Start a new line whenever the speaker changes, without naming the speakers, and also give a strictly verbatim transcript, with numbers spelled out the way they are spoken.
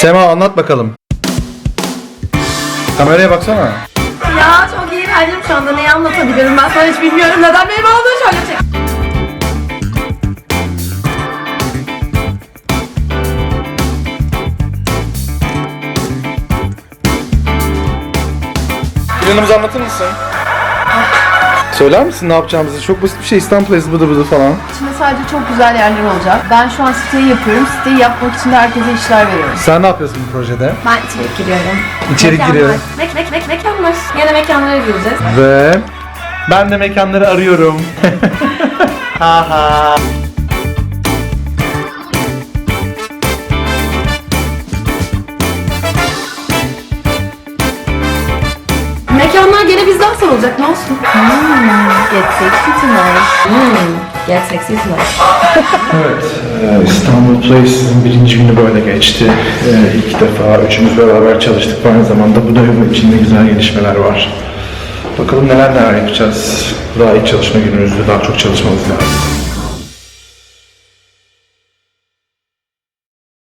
Sema anlat bakalım. Kameraya baksana.
Ya çok iğrendim şu anda. Neyi anlatabilirim ben sana hiç bilmiyorum. Neden benim olduğunu şöyle çek.
Planımızı anlatır mısın? Söyler misin ne yapacağımızı? Çok basit bir şey. İstanbul Ezgi bıdı bıdı falan.
İçinde sadece çok güzel yerler olacak. Ben şu an siteyi yapıyorum. Siteyi yapmak için de herkese işler veriyorum.
Sen ne yapıyorsun bu projede?
Ben içerik giriyorum.
İçerik
Mekanlar.
giriyorum.
Mek mek mek mekanlar. Yine mekanlara gireceğiz.
Ve ben de mekanları arıyorum. Haha.
Mekanlar gene bizden sorulacak. Ne olsun? Hmm, get sexy tonight. Hmm, get sexy tonight.
Evet, e, İstanbul Place'in birinci günü böyle geçti. E, ilk defa üçümüz beraber çalıştık. Aynı zamanda bu dönem içinde güzel gelişmeler var. Bakalım neler neler yapacağız. Daha ilk çalışma günümüzde daha çok çalışmamız lazım.